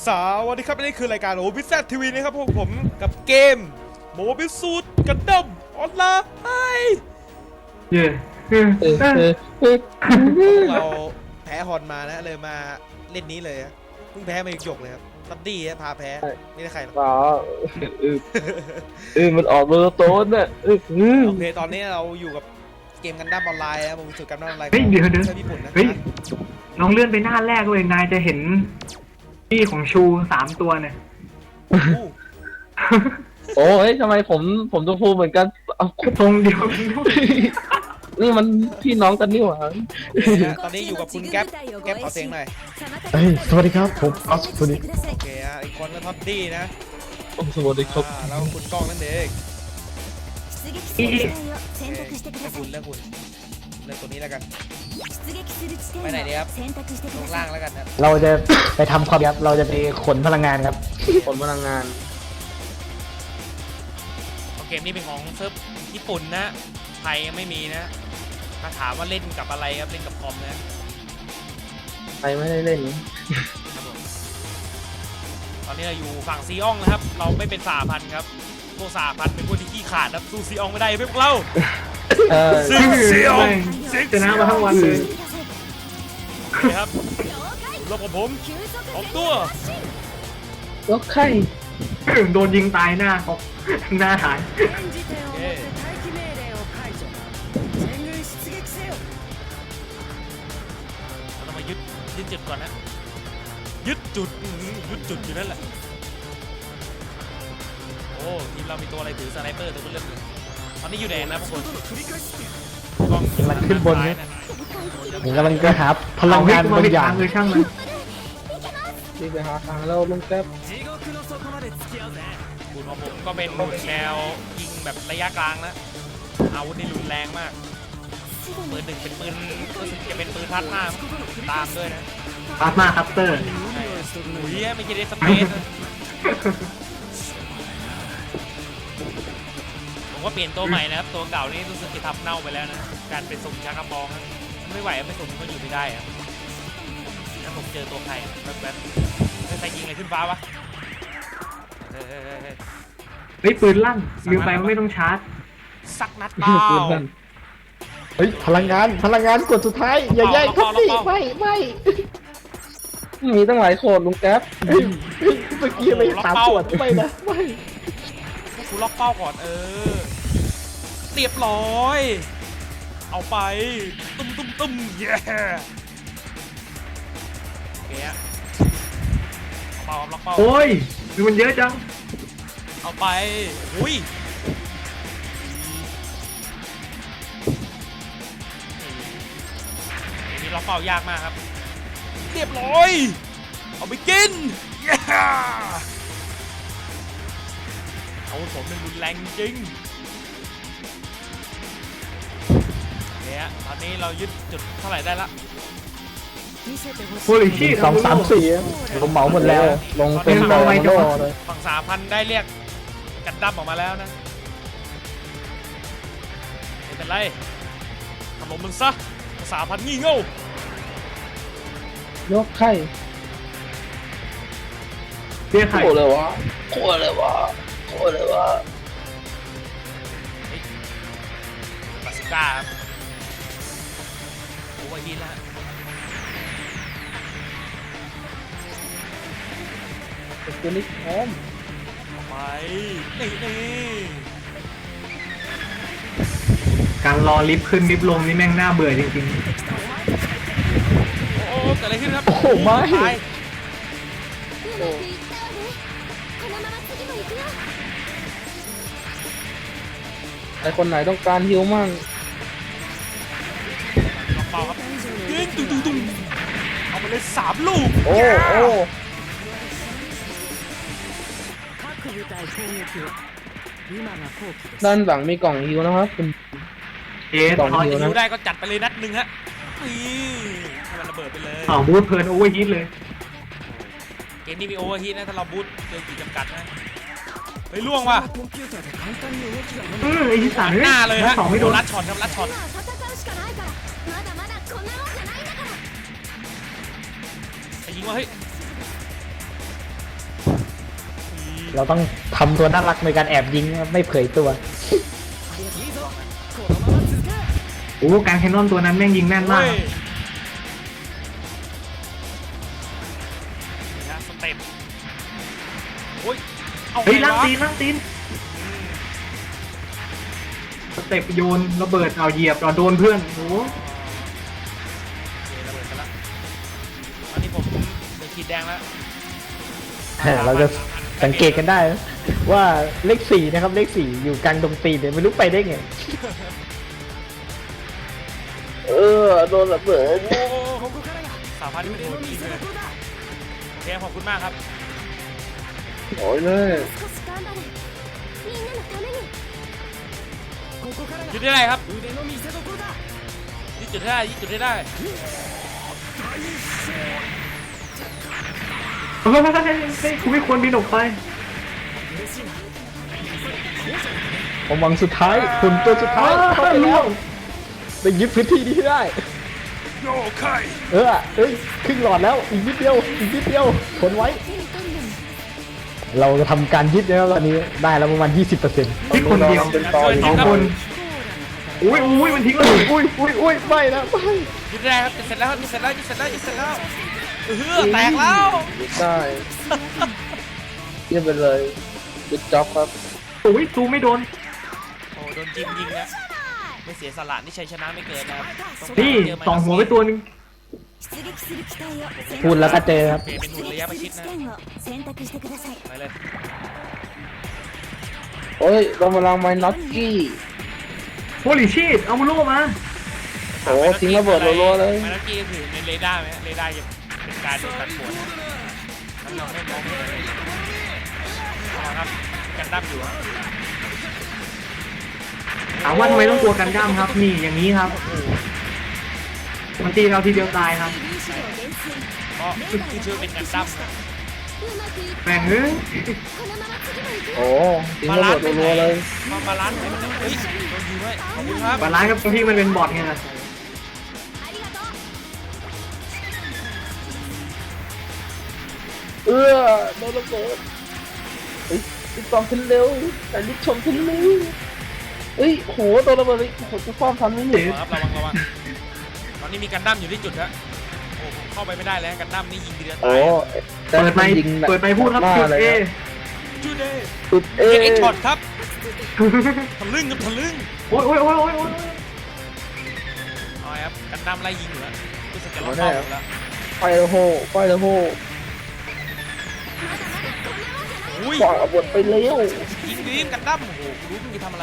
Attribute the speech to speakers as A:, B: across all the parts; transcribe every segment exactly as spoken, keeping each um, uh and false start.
A: สวัสดีครับนี่คือรายการโอบิแซดทีวีนะครับพวกผมกับเกมโมบิสูดกันดั้มออนไลน์
B: เย่
A: เราแพ้ฮอนมานะเลยมาเล่นนี้เลยเพิ่งแพ้มาอีกหยกเลยครับตัดดี้พาแพ้ไม่ได้ใครหรอก
C: อ๋อเออเออมันออกโมโนโตนน่ะเออ
A: โอเคตอนนี้เราอยู่กับเกมกันดั้มออนไลน์นะโมบิสูดกันดั้มออนไลน์
B: เฮ้ยเดี๋ยวเดี๋ยว
A: ใช่ญี่ปุ่นนะ
B: เฮ้ยลองเลื่อนไปหน้าแรกเลยนายจะเห็นที่ของชูสามตัวเนี่ย
C: โอ้ยทำไมผมผมตัวฟูเหมือนกันเอา
B: ทรงเดียวกันด้วย
C: นี่มันพี่น้องกันนี่หว่า
A: ตอนนี้อยู่กับคุณแก๊ปแก๊ปขอเสียงหน่อย
D: เฮ้ยสวัสดีครับผมออสคุณดิ
A: โอเคอ่ะอีกคนก็ท็อดดี้นะ
C: โอ้สวัสดีครับ
A: อ่าแล้วคุณกล้องนั่นเอง
B: อีอี
A: ให้คุณเลือกคุณเลือกตัวนี้แล้วกันไปไหนดีครับลงล่างแล้วกันครับ
D: เราจะไปทำความครับเราจะไปขนพลังงานครับ
C: คนพลังงาน
A: เกมนี้เป็นของเซิร์ฟญี่ปุ่นนะไทยไม่มีนะถ้าถามว่าเล่นกับอะไรครับเล่นกับคอมนะ
C: ใครไม่ได้เล่น
A: ครับผมตอนนี้เราอยู่ฝั่งซีอองนะครับเราไม่เป็นสหพันธ์ครับพวกสหพันธ์เป็นพวกที่ขี้ขาดครับสู้ซีอองไม่ได้พวกเรา
C: เออ
A: ซิงเซียว
B: ชนะมาทั้งวันเลย
A: นะครับรบกับผมออกตัว
C: แล้วใคร
B: โดนยิงตายหน้าเขาหน้าหาย
A: โอเคเราต้องมายึดยึดจุดก่อนนะยึดจุดอื้อหือยึดจุดอยู่นั่นแหละโอ้ทีมเรามีตัวอะไรถือสไนเปอร์ตัวเลือกเลยตอนนี้อยู่แดนนะพวกคนกล้อง
D: กำลังขึ้นบน
A: ซ้าย
D: นะ ผมกำลังจะหาพลั
B: เรา
D: ง
B: วิ่
D: งาง น
B: มา
D: บาง
B: ไม่
D: อย่า
B: ทาง งเลยช่างมัน
C: ที่ไปหาทางแล้วลุงแก๊ป
A: คุณของผมก็เป็นแนวยิงแบบระยะกลางนะอาวุธนี่รุนแรงมากปืนหนึ่งเป็นปืนรู้สึกจะเป็นปืนทัดหน้าตามด้วยนะ
B: พาสมาคัพเตอร์
A: หุยไม่ใช่เดสเปซนะผมว่าเปลี่ยนตัวใหม่นะครับตัวเก่านี่รู้สึกจะทำเน่าไปแล้วนะการเป็นสุ่มชักกระบอกนะไม่ไหวไม่สุ่มก็อยู่ไม่ได้อะแล้วผมเจอตัวใครแบบแบบใครยิงอะไรขึ้นฟ้าวะเฮ้ยเฮ้ยเฮ้ยเฮ้ย
B: เฮ้ยปืนลั่นลืมไปว่าไม่ต้องชาร์จ
A: สักนัดเปล่า
C: ปืนนั่น
D: เฮ้ยพลังงานพลังงานกดสุดท้ายอย่าแย่งครับพี่ไม่ไม่
C: มีตั้งหลายโคดลุงแก๊ป
D: เฮ้ยเฮ้ยเมื่อกี้ไม่สามขวดไม่นะไม่
A: กูล็อกเป้าก่อนเออเรียบร้อยเอาไปตุ้มตุ้มตุ้มเย้โอเคอะเอาเป้าล็อกเป้า
B: โอ้ยดูมันเยอะจัง
A: เอาไปอุ้ยนี่ล็อกเป้ายากมากครับเรียบร้อยเอาไปกินเย้เอาผมเป็นรุนแรงจริงเนี่ยตอนนี้เรายึดจุดเท่าไหร่ได้ละ
B: โพลิชี
D: สองสามสี่ผมเหมาหมดแล้ว
C: ลงเป็น
B: เป็น
C: โด
B: เอาไว้จัง
C: โด
B: วะ
C: เลย
A: ฝั่งสามพันได้เรียกกันดั้มออกมาแล้วนะไม่เป็นไรถล่มมันซะสามพันงี่เง่าย
C: กไข่
B: เบี้ยไข่
C: โคตรเลยวะโคตรเลยวะโคตรเลยวะ
A: บาสุก้าครับโอเวอร์ฮีทแล้วฮะ
C: เป็นตัวนี้พร้อม
A: ไปนี่นี่
B: การรอลิฟต์ขึ้นลิฟต์ลงนี่แม่งน่าเบื่อจริง
A: โอ้โหเกิดอะไรขึ้นครับ
D: โอ้โหไม่
A: ตาย
C: ไอคนไหนต้องการฮิวมั่ง
A: ล็อกเป้าครับยิงตุ้งตุ้งตุ้งเอาไปเลยสามลูก
C: โอ้โอ้ด้านหลังมีกล่องฮิวนะครับคุณ
B: ๆเอ๊ะ
C: สอง
B: พอ
C: ฮิ
A: จะยิวได้ก็จัดไปเลยนัดหนึ่งฮะนี่ให้มันระเบิดไปเลย
B: เผาบูทเพลินโอเวอร์ฮีทเลย
A: เกมนี้มีโอเวอร์ฮีทนะถ้าเราบูทเกินขีดจำกัดนะเฮ้ยล่วงว่ะ
B: อือไอ้ที่สาม
A: หน้าเลยฮะ
B: สองไม่โดน
A: รัดช็อตครับรัดช็อตไปยิงว่าเฮ้ย
D: เราต้องทำตัวน่ารักในการแอบยิงนะครับไม่เผยตัว
B: โอ้การแคนนอนตัวนั้นแม่งยิงแม่นมาก
A: เฮ้ยนี่ฮะสเต็ปโอ้ยเอา
B: เฮ้ย
A: ไง
B: ล่าง
A: วะ
B: ตีนล่างตีนสเต็ปโยนระเบิดเอาเหยียบเอาโดนเพื่อนโอ้
A: โอเคระเบิดไปแล้วตอนนี้ผมเป็นขีดแดงแล้ว
D: เราจะสังเกตกันได้นะว่าเลขสี่นะครับเลขสี่อยู่กลางดงตีนเนี่ยไม่รู้ไปได้ไง
C: เออโดนระเบิด
A: โอ้สามพันที่เป็นคนดีเลยโอเคขอบคุณมากครับ
C: โอ้ยเลย
A: จุดได้ไรครับยึดจุดได้ยึดจุดได้ได้
B: เฮ้ยเฮ้ยเฮ้ยเฮ้ยกูไม่ควรบินออกไป
D: ผมหวังสุดท้ายคนตัวสุดท้ายเข้าไปแล้วไปยึดพื้นที่นี้ให้ได้
A: โอเค
D: เออเอ้ยครึ่งหลอดแล้วอีกนิดเดียวอีกนิดเดียวทนไว้ เราจะทำการยึดแล้วตอนนี้ได้แล้วประมาณ ยี่สิบเปอร์เซ็นต์
B: ที่คนเดียว
C: เป็นตอน
B: สองคนอุ้ยอุ้ยมันทิ้งเลย
D: อุ้ยอุ้ยอุ้ยไม่นะไม่
A: ยึดได้ครับจะเสร็จแล้วจะเสร็จแล้วจะเสร็จแล้วจะเสร็จแล้วเออแตกแล้ว
C: ได้เยี่ยมไปเลยจุดจ็อบครับ
B: อุ้ยซูไม่โดน
A: โอ้โดนจิมยิงนะไม่เสียสละนี่ชัยชนะไม่เกินนะครับ
B: นี่สองหัวไปตัวหนึง
D: พูดแล้วก็เจอครับ
A: เปลี่ยนเป็นหุ่นระยะประชิดนะไปเลย
C: โอ้ยเรามาลังไม้น็อตกี้
B: โฮลิชีตเอามาโล่มา
C: โอ้ทิ้งระเบิดรัวๆเลย
A: มาแล้วกี้ถือในเรดาร์ไหมเรดาร์จะเป็นการดูตัดผลนั่นเราไม่มองไม่เห็นเอาครับกันดั้มอยู่ครับ
B: ถามว่าทำไมต้องกลัวกันดั้มครับ นี่อย่างนี้ครับมันตีเราทีเดียวตายครับ
A: เพราะคือชื่อเป็นกันดั้มนะ
B: แม่งเอ้ย
C: โอ้ทิ้งระเบิดรัวๆเลย
A: มาบาลานซ์ไหนมันจะเฮ้ยโดนยิงไว้ขอบคุณครับ
B: บาลานซ์กับพี่มันเป็นบอทไงล่ะ
C: เออโดนระเบิดเฮ้ยรีบตองขึ้นเร็วแต่รีบชมขึ้นเร็วเฮ้ยโหโดนระเบิดเลยโหจะฟ้องทันไหมเนี่ย
A: ระวังครับระวังระวังตอนนี้มีกันดั้มอยู่ที่จุดฮะโอ้ผมเข้าไปไม่ได้แล้วกันดั้มนี่ยิงทีเดียวตา
C: โอ้
A: ย
B: เปิดไมค์เปิดไมค์พูดครับจุดเอ
A: จุดเด้
C: จุดเอ
A: เอ็กช็อตครับทะลึ่งครับทะลึ่ง
B: โอ้ยโอ้ยโอ้ยโอ้ยโอ้ย
A: เอาครับกันดั้มไล่ยิงอยู่แล้วรู้สึกจะล็อกเป้าอยู่แล้ว
C: ไฟละโหไฟละโห
A: อุ้ย
C: ปล่อยระเบิดไปเร็ว
A: ยิงดีมกันดั้มโอ้โหรู้มึงจะทำอะไร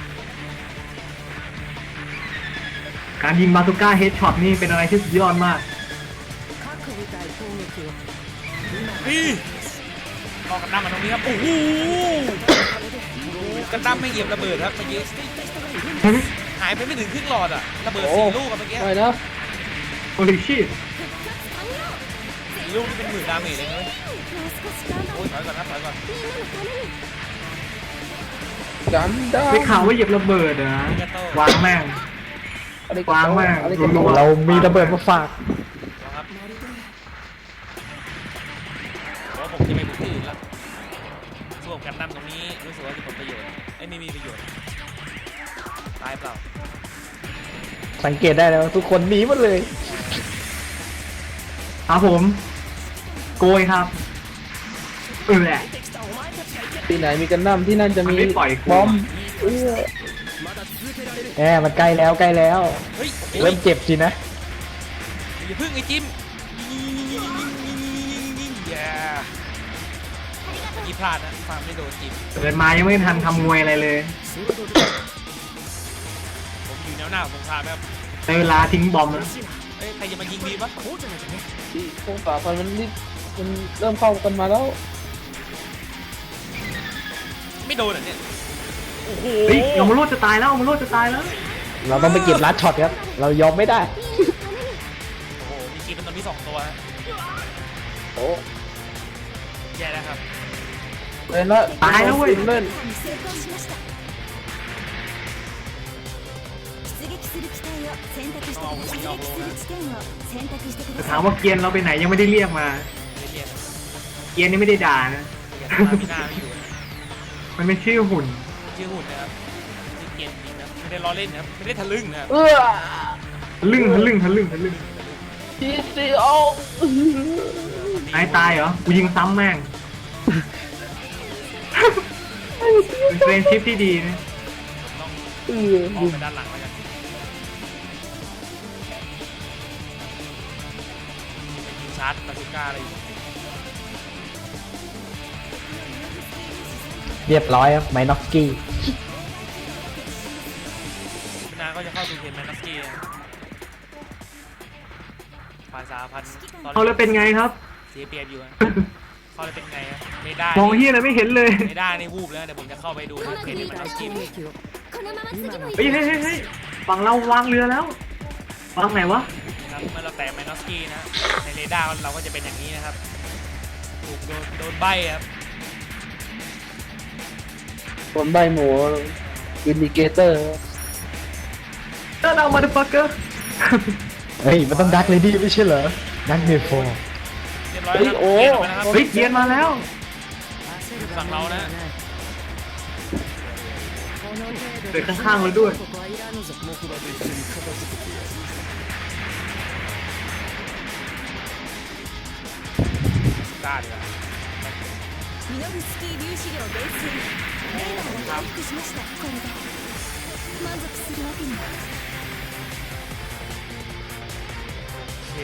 B: การยิงบาซูก้าเฮดช็อตนี่เป็นอะไรที่สุดยอดมาก
A: นี่รอกันดั้มมาตรงนี้ครับโอ้โหกันดั้มไม่เหยียบระเบิดครับเมื่อกี้หายไปไม่ถึงครึ่งหลอดอะระเบิดสี่ลูกอะเมื่อกี้
C: ไม่นะ
B: โฮลิชีต
A: สี่ลูกนี่เป็นหมื่นดาเมจเลยนะเว้ยโอ้ยถอยก่อนนะถอยก่อน
C: กันได้
B: ได้ข่าวว่าเหยียบระเบิดเหรอวางแม่ง
C: อะไร
B: วางแม่ง
C: อะไร
B: รัว
D: เรามีระเบิดมาฝาก
A: ครับเพราะผมจะไปบุกที่อื่นแล้วส่วนกันดั้มตรงนี้รู้สึกว่าจะผลประโยชน์ไอ้ไม่มีประโยชน์ตายเปล่า
D: สังเกตได้แล้วทุกคนหนีหมดเลย
B: ครับผม โกยครับเออแหละ
C: ที่ไหนมีกันน้ำที่นั่นจะ
B: มัน
C: มี
B: ไม่ปล่อยกู
C: บอมเออ
D: แหมมันใกล้แล้วใกล้แล้ว
A: เฮ้ย
D: เริ่มเจ็บสินะ
A: อย่าพึ่งไอ้จิมอย่ายี่พลาดนะฟาร์มไม่โดนจิม
B: เกิดมายังไม่ทันทำมวยอะไรเลย
A: ผมอยู่แนวหน้าของสงครามครับ
B: ในเวลาทิ้งบอมแล้ว
A: เอ้ยใครจะมายิงดีปะ
C: ที่พวกสาพันมันรีบมันเริ่มเข้ากันมาแล้ว
A: ไม่โดนอ่ะเนี่ยโอ้โห
B: เฮ้ยเอามาโลดจะตายแล้วเอามาโลดจะตายแล้ว
D: เราต้องไปเก็บลัดช็อตครับ เรายอมไม่ได้
A: โอ้โหมีกีเป็นตอนนี้สองตัวฮะ
C: โอ้
A: แย่แล้วครับ
C: เล่นละ
B: ตายแล้วเว้ย
C: เล่น
B: แต่ถามว่าเกียนเราไปไหนยังไม่ได้เรียกมา
A: ไม่ได้เรียน
B: เกียนนี่ไม่ได้ด่านะ
A: อย่างที่มาพี่หน้าไม่อยู่นะ
B: มันเป็นชื่อหุ่น
A: ชื่อหุ่นนะครับชื่อเกมจริงนะไม่ได้ล้อเล่นนะครับไม่ได้ทะลึ่งนะครับ
C: เออ
B: ทะลึ่งทะลึ่งทะลึ่งทะลึ่ง
C: ทีซีโอ
B: นายตายเหรอ กูยิงซ้ำแม่ง เป็นเฟรนชิพที่ดีนะ
A: ต้อง
C: เออ
A: ออกไปด้านหลังแล้วกันไปยิงชาร์จบาซูก้าอะไรอยู่
D: เรียบร้อยครับไมน็อกกี้
A: พี่นาก็จะเข้าสู่เกมแมนนัสกี้นะฝ่ายสาพันธ์ตอน
B: เอาแล้วเป็นไงครับ
A: เสียเปรียบอยู่นะเข้าแล้วเป็นไงครับไม่ได้
B: มองเฮียอะไรไม่เห็นเลย
A: ไม่ได้นี่วูบแล้วเดี๋ยวผมจะเข้าไปดูนะเพจแมนนัสกี้
B: เฮ้ยเฮ้ยเฮ้ยเฮ้ยฝั่งเราวางเรือแล้ววางไหนวะ
A: นะครับเมื่อเราแตะแมนนัสกี้นะในเรดาร์เราก็จะเป็นอย่างนี้นะครับถูกโดนโดนใบครับ
C: คนใบหมูอินดิเกเตอร์
B: เออเรามาดูฟักเกอร์
D: เฮ้ยมันต้องดักเลยดีไม่ใช่เหรอดักเมโฟ
A: เรียบร้อยแล้วครับเกียร์ออกมานะครับ
B: เฮ้ยเกียนมาแล้ว
A: ฝั่งเรานะ
B: เดินข้างๆเราด้วย
A: กล้าดีกว่า
E: ミノフスキー粒子量減衰レーダーが回復しましたこれで満足するわけには
A: โอเค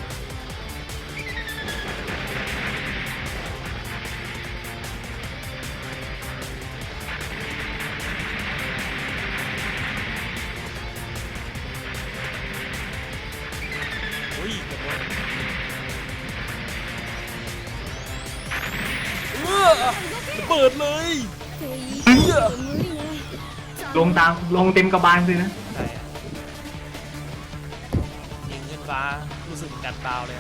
A: อุ้ยเกือบโดนเออระเบิดเลย
E: って言い方無理ね
B: ลงตามลงเต็มกระบาลเลยนะ
A: ใช่อะยิงขึ้นฟ้ารู้สึกกัดเบาเลยครับ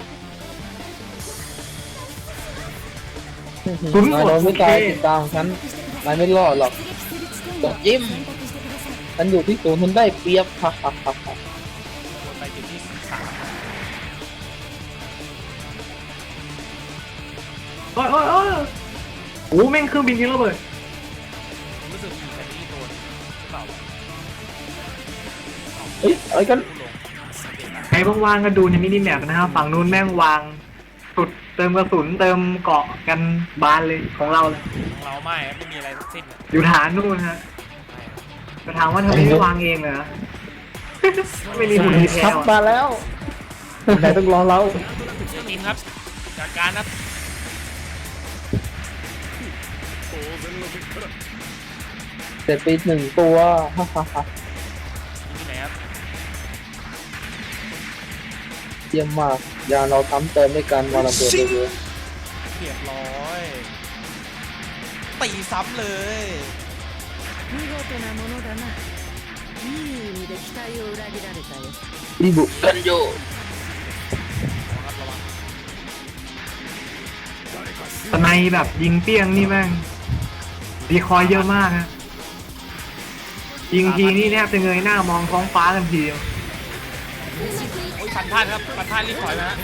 B: ศูนย์
C: นาย
B: หม
C: โด
B: ด
C: น
B: โอ
C: ไม่
B: เค
C: ตายติดตามฉันนายไม่รอดหรอก
E: 出撃する地点を選択してください
C: ฉันอยู่ที่ศูนย์คุณได้เปรียบฮ่าฮ่าฮ่าฮ่า
A: วนไปจุดที่สาม
B: โอ้ยโอ้ยโอ้ยโอ้แม่งเครื่องบินยิงระเบิด
A: รู้สึกมีแค่นี้โดนหรือเปล่า
C: เฮ้ยอะไรกัน
A: ลงเปลี่ยนมา
B: ใครว่างๆก็ดูในมินิแมปนะครับฝั่งนู้นแม่งวางสุดเติมกระสุนเติมเกาะกันบานเลยของเราเลย
A: ของเราไม่ครับไม่มีอะไรทั้งสิ้นอะ
B: อยู่ฐานนู่นฮะ
A: ไม่ครับ
B: จะถามว่าทำไมไม่วางเองเหรอ ไม่มีหุ่นที่แพ้
D: ครับ
B: ว
D: มาแล้วนายต้องรอเรา
A: เจอทีมครับจากการครับ
C: เสร็จไปหนึ่งตัวฮ่าฮ่าฮ่า
A: อยู่ที่ไหนครับ
C: เยี่ยมมากยานเราทำเติมด้วยกันมาระเบิดเลย
A: เรียบร้อยตีซ้ำเลย
E: 見事なものだないい意味で期待を裏切られたよ
C: รีบุกันโย
A: ระวังครับระวัง
B: สไนแบบยิงเปี้ยงนี่แม่งดีคอยเยอะมากฮะยิงทีนี่แทบจะเงยหน้ามองท้องฟ้ากันทีเดียว
A: โอ้ยฟันพลาดครับฟันพลาดรีบถอยมาฮะ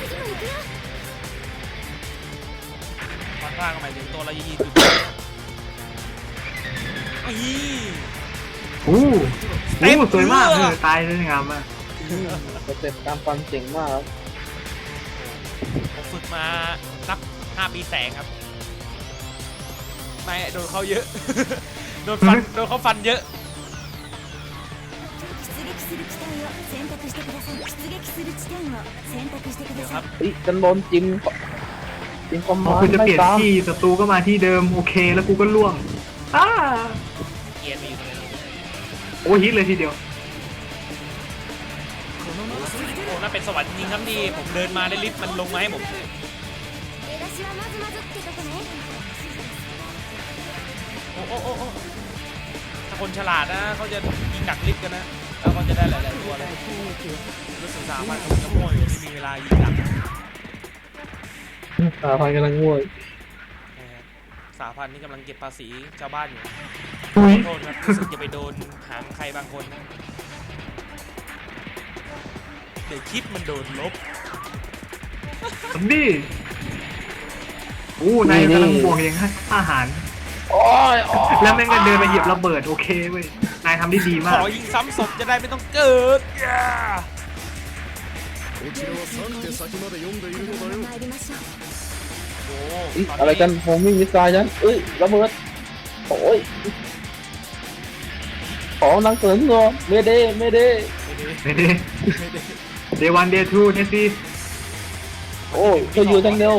A: ฟันพลาดก็หมายถึงตัวเรายีจุดอี
B: อู้อู้สวยมากเลยตายสวยงามมาก
C: สเต็ปการฟันเจ๋งมากครับ
A: ผมฝึกมานับห้าปีแสงครับไม่โดนเขาเยอะ โดนฟันโดนเขาฟันเยอะ
E: 出撃する地点を選択してください出撃する地点を選択してくだ
A: เดี๋ยวค
E: さ
A: รั
E: い
A: บ
C: เฮ้ยกันโดนจิ้มจิ้มคอม
B: พอ
C: มาน
B: คุณ
C: ด์
B: จะ
C: ไม่
B: เปลี่ยน
C: ตาม
B: ที่ศัตรูก็มาที่เดิมโอเคแล้วกูก็ล่วงอ้า
A: เกียร์มีอยู่ตรงนี้
B: โอ้ฮิตเลยทีเดียว
A: โอ้น่าเป็นสวรรค์จริงๆครับนี่ผมเดินมาได้ลิฟต์มันลงมาให้ผม
E: 出だしはまずまずってとこね
A: โอ้โอ้โอ้โอ้ถ้าคนฉลาดนะเขาจะยิงดักลิฟต์กันนะ แล้วเขาจะได้หลายๆตัวเลยรู้สึกสามพันคนจะโม่อยู่ที่มีเวลายิงดักนะ
C: สาพันกำลังง่วย
A: ฮะสามพันนี่กำลังเก็บภาษีชาวบ้านอยู่
B: อุ้ย
A: ขอโทษครับรู้สึกจะไปโดนหางใครบางคนนะเดี๋ยวคลิปมันโดนลบ
B: ซอมบี้อู้นายกำลังบวกอย่างอาหาร
C: โอ้ยโอ้ย
B: แล้วแม่งก็เดินมาเหยียบระเบิดโอเคเว้ยนายทำได้ดี
A: ข
B: มาก
A: อยิงซ้ำศพจะได้ไม่ต้องเกิดย่า
E: こちらはさん手先まで読んでいるのだよ参りましょう
A: โอ้
C: เอ้ย
A: ต
C: อะไรกันผมมีมิสไซล์ฉันเอ้ยระเบิดโอ้ยขอนังเสริมเงาเมเดเมเด
B: ไม่ได้เดวันเดทูเทสซี่
C: โอ้ยเธออยู่ทางเดียว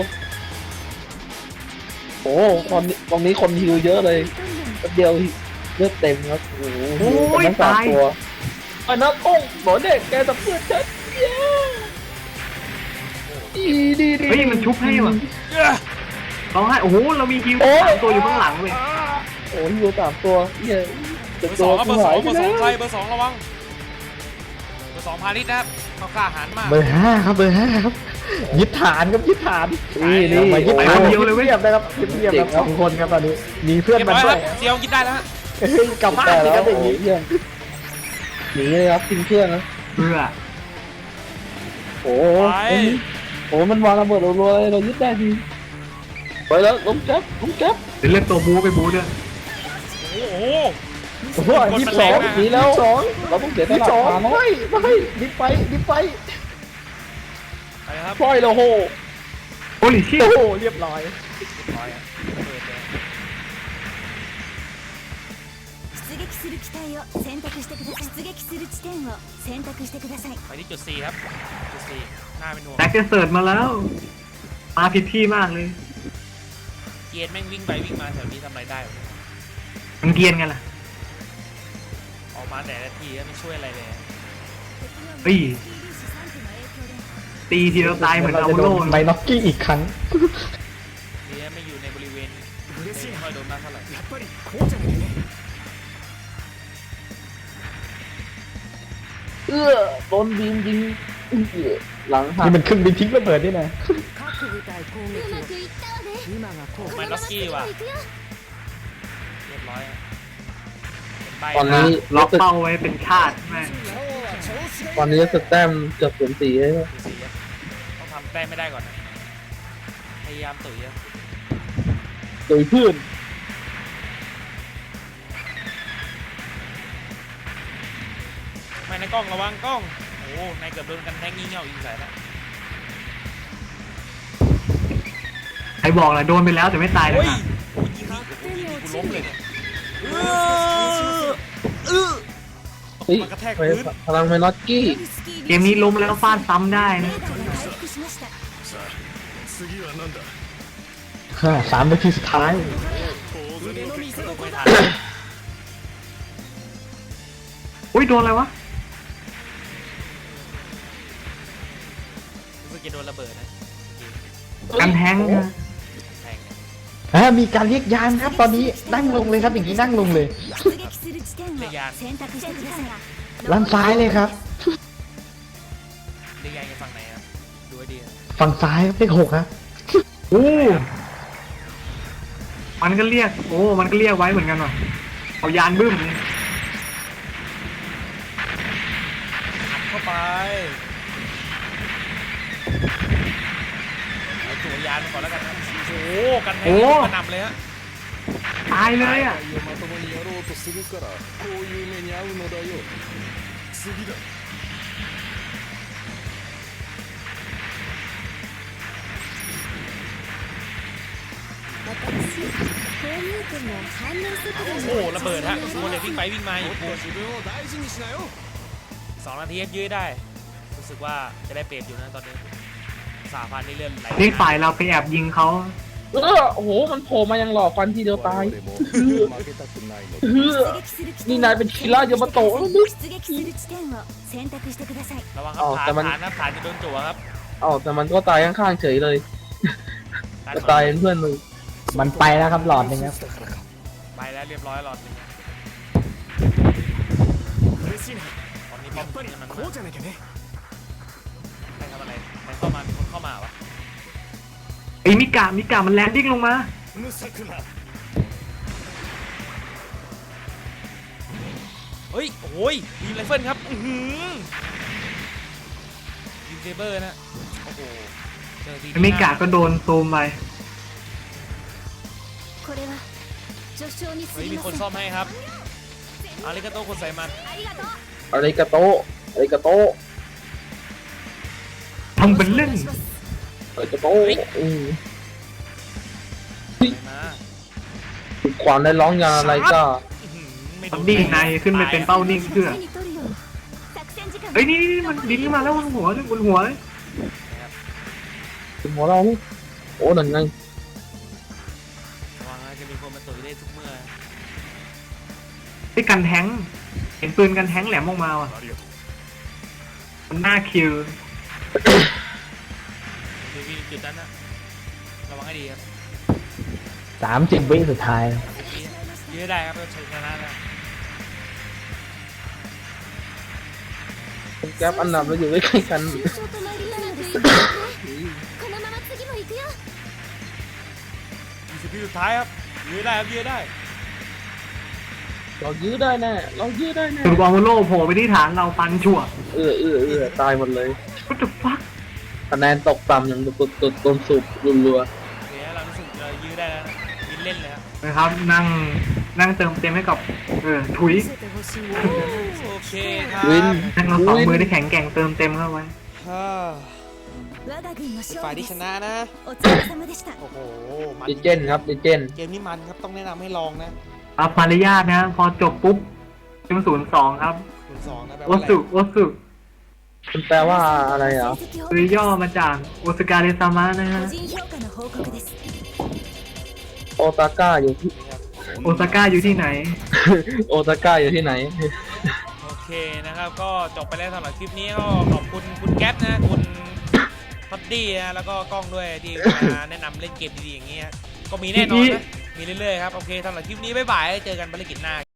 C: โอ้ตอนนี้ตรงนี้คนฮิวเยอะเลยแป๊บเดียวเลือดเต็มครับโอ้โห
B: โอ้ย
C: ทั้งสาม
B: ตาย
C: ตัวไอ้นักก้งหมอเด็กแกจะเพื่อนฉันเย้ดีดีดี
B: เฮ้ยมันชุบให้ว่ะ
A: ย่า
B: ร้องไห้โอ้โหเรามีฮิว
C: โอ้ย
B: สามตัวอยู่ข้างหลังเว้ย
C: โอ้ยฮิวสามตัวเย้
A: เบ
C: จะ
A: อร์ส
C: ตั
A: อ
C: ว
A: งครับเบ
C: กู
A: อร์ส
C: หา
A: อย ง
C: ไป
A: เบอร์ส
C: แล้
A: อง
C: ว
A: ใครเบอร์สองระวังเบอร์สองพาณิชย์นะครับเขากล้าหาญมาก
D: เบอร์ห้าครับเบอร์ห้าครับยึดฐานครับยึดฐาน
C: นี่นี่
D: เรามายึด
C: โอ้
D: ฐาน
C: ย
D: เดียวเลยเว้ยนะครับเงียบๆครับสองคนครับตอนนี้มีเพื่อน
A: เรียบ
D: มา
A: ร้อย
D: ด้
A: คว รั
D: ย
A: บเซียวกินได้แล้วฮะ
D: เฮ้ยกลับบ้าน
C: แต่
D: สิ
C: แล้
D: คว รับอย่าง
C: โอ้
D: นี้
C: ยเยี่ยมหนีเลยครับทิ้งเพื่อนนะ
B: เพื่อ
C: โอ้โหโอ้โหมันวางระเบิดรัวๆเลยเรายึดได้ทีไปแล้วล้มแก๊ปล้มแก๊ป
B: เดี๋ยวเลือกตัวบูไปบูด้วย
A: โอ้โห
D: โอ้โหยี่สิบสอง
C: หนีแล้ว
D: สอง
C: เราต้องเสียต
D: ยี่สิ
C: ลา
D: บ
C: ด
D: สอง
C: มาเนาะ
D: ไม่ไม่ดิบไปดิบไป
A: ไปครับ
C: ปล่อยเราโห
B: โอ้ลิชิ
D: โอ้โหเรียบร้อย
A: เรียบร้อยอะเปิดเลย
E: 出撃する機体を選択してください出撃する地点を選択してください
A: ไปที่จุด C ครับจุด C หน้าเป็นห่วง
B: แบ็กเกเสิร์ตมาแล้ว มาผิดที่มากเลย
A: เกียร์แม่งวิ่งไปวิ่งมาแถวนี้ทำอะไรได้วะ
B: มันเกรียนกันล่ะ
A: ออกมาแต่ละทีก็ไม่ช่วยอะไรเลย
B: เฮ้ย ตีทีเราตายเหมือน
D: เรา
B: เอา
D: จะโด
B: โล่
D: นไบน็อกกี้อีกครั้ง
A: ดีนะไม่อยู่ในบริเวณไม่ค่อยโดนมากเท่าไหร่
C: เอื้อโดนบีมยิงเอื้อหลังหัก
D: นี่มันครึ่งบินทิ้งระเบิดนี่นะ
E: うまくいったわね
A: ไม่ล็อกกี้ว่ะเรียบร้อยอะเป็นใบ
C: ตอนนี้
B: ล็อกเป้าไว้เป็นชาติแม่ง
C: ตอนนี้สแต้มเกือบศูนย์สี่เลย
A: ดูสิครับต้องทำแต้มไม่ได้ก่อนนะพยายามตุ๋ยอะ
C: โดยพื้น
A: ไม่ในกล้องระวังกล้องโอ้ในเกือบโดนกันแทงงี่เง่ายิงใส่แล้ว
B: ใครบอกล่ะโดนไปแล้วแต่ไม่ตายเลย
A: โอ้ย
B: นะ
A: โอ้ยยิงนี่โอ้ยยิงนี่กูล้มเลยเนี่ยเออเออ
C: เฮ้ย
A: มันกระแทก
C: ไป
A: พื้น
C: พลังไมนอตกี้
B: เกมนี้ล้มแล้วฟาดซ้ำได้
E: レ
B: นะ
E: ーダーが回復しました
F: 次は何だ
D: ห้าสามนาทีสุดท้าย
A: ไม่ทัน
B: อุ้ยโดนอะไรวะ
A: รู้สึกจะโดนระเบิดนะ
B: กันแทงนะ
A: แทงเนี่ย
D: อ่ามีการเรียกยานครับตอนนี้นั่งลงเลยครับอย่างนี้นั่งลงเลย
E: 出撃する地点を選択してください
D: ด้านซ้ายเลยครับ
A: เรียกยังไงฝั่งไหนครับดูให้ดีนะ
D: ฝั่งซ้ายครับเลขหกครับ
B: โอ้มันก็เรียกโอ้มันก็เรียกไว้เหมือนกันว่ะเอายานบึ้มเลย
A: อัดเข้าไปเอาตัวยานมาก่อนแล้วกันนะโอ้โหกันแทงนี่กระหน่ำเลยฮะ
B: ตายเลยอ่ะ
F: まともにやろうとするからこういう目に遭うのだよ次だ
E: 私こう見えても反応速度
A: โอ้โหระเบิดฮะโมเดลวิ่งไปวิ่งมาอีก
F: 自分を大事にしなよ
A: สองนาทียื้อได้ รู้สึกว่าจะได้เปรียบอยู่นะตอนนี้สาพันนี่เลื่อนไหล
B: นี่ฝ่ายเราไปแอบยิงเขา
C: เออโอ้โหมันโผล่มายังหลอกฟันทีเดียวตาย
F: 我々も負けたくないのだ
C: เฮ้อ
E: 出撃する地
C: นี่
E: 点
C: นายเป็นคีร่าเยามาโตะแล้วนึก
E: 出撃する地点を選択してください
A: ระวังครับ
C: อ๋อ
A: ฐา
C: แต่
A: น
C: มัน
A: ฐานนะฐานจะโดนจั่วครับ
C: เอ้าแต่มันก็ตายข้างๆเฉยเลย
A: ฐาน
C: จะตายเป็นเพื่อนมึง
D: มันไปแล้วครับหลอดหนึงครับ
A: ไปแล้วเรียบร้อยหลอดหนึ่งนะ
F: 嬉しいな
A: ตอนนี้ป้อมปืนมัน
F: こうじゃなきゃね
A: ใครทำอะไรใครเข้ามามีคนเข้ามาวะ
B: ไอ้มิกามิกามันแลนดิ้งลงมา
F: 無策な
A: เฮ้ยโอ้ยบีมไรเฟิลครับอื้อหือบีมเซเบอร์นะโอ้โหเจอที
B: ไอ้มิกาก็โดนซูมไป
E: これは序章に過
A: เฮ้ย
E: ぎ
A: มี
E: ま
A: คน
E: せん
A: ซ่อมให้ครับอาริกาโตคนใส่มัน
E: ありがとう
C: อะไรกระโตะอะไรกระโตะ
B: ทำเป็นเล่น
C: อะไรกระโตะอืม
A: ใส่มา
C: ฝึกความได้ร้องยาอะไรก็
A: อื้อหือไม่
B: ต
A: โด
B: อนนี้นายขึ้นไปเป็นเป้านิ่งเพื่อ
E: 手に取るように作戦時間
B: เฮ้ยนี่นี่มันบินขึ้นมาแล้วบนหัวเลยบนหัวเลย
C: เป็นหัวเราโอ้นั่นไง
A: ระวังนะจะมีคนมาตุ๋ยได้ทุกเมื่อ
B: ไอ้กันแท้งเห็นปืนกันแท้งแหลมออกมาว่ะมันน่าคิว
A: เดี๋ยวมีจุดนั้นนะระวังให้ดีครับ
D: สามสิบวิสุดท้าย
A: ยื้อได้ครับเราชนะแล้ว
C: แก๊ปอันดับเราอยู่ใกล้ๆกัน
E: 終章となりなのでいいですねこのまま次も行くよ
A: ยี่สิบวิสุดท้ายครับยื้อได้ครับยื้อได้
C: เรายื้อได้แน่เรายื้อได้แน่
B: สุดบอลโลโผล่ไปที่ฐานเราปันชั่ว
C: เออเออเออตายหมดเลย
B: What the fuck
C: คะแนนตกต่ำอย่างตุดตุดต้นสูบรัว
A: โอเคเรารู้สึกเรายื้อได้แล้วนะยินเล่นเลยครับ
B: นะครับนั่งนั่งเติมเต็มให้กับเออถุย
E: 見せてほしいわ
A: โอเคครับ
C: ๆวิน
B: นั่งเราสองมือได้แข็งแกร่งเติมเต็มเข้าไว้
A: ฮ่า
E: 我が軍の勝
A: ฝ่าย
E: 利で
A: ที่
E: す
A: ชนะนะ
E: お疲れ様でした
A: โอ้โหมัน
C: ดิเจนครับดิเจน
A: เกมนี้มันครับต้องแนะนำให้ลองนะ
B: เอามารยาทนะ พอจบปุ๊บเป็นศูนย์สองครับ
A: คุณสองนะแปล
B: โอ
A: ว่าอะไร
B: สุโอสุ
C: มันแปลว่าอะไรเหรอ
E: 成績を
B: คือย่อมาจากโอสการเรซามะนะฮะ
E: 個人評価の報告です
C: โอซาก้าอยู่ที่
B: โอซาก้าอยู่ที่ไหน
C: โอซาก้าอยู่ที่ไหน
A: โอเคนะครับก็จบไปแล้วสำหรับคลิปนี้ก็ขอบคุณคุณแก๊ปนะคุณพัดดี้นะแล้วก็กล้องด้วยที่มาแนะนำเล่นเกมดีๆอย่างเงี้ยก็มีแน่นอนนะมีเรื่อยๆครับโอเคสำหรับคลิปนี้บ๊ายบายเจอกันภารกิจหน้า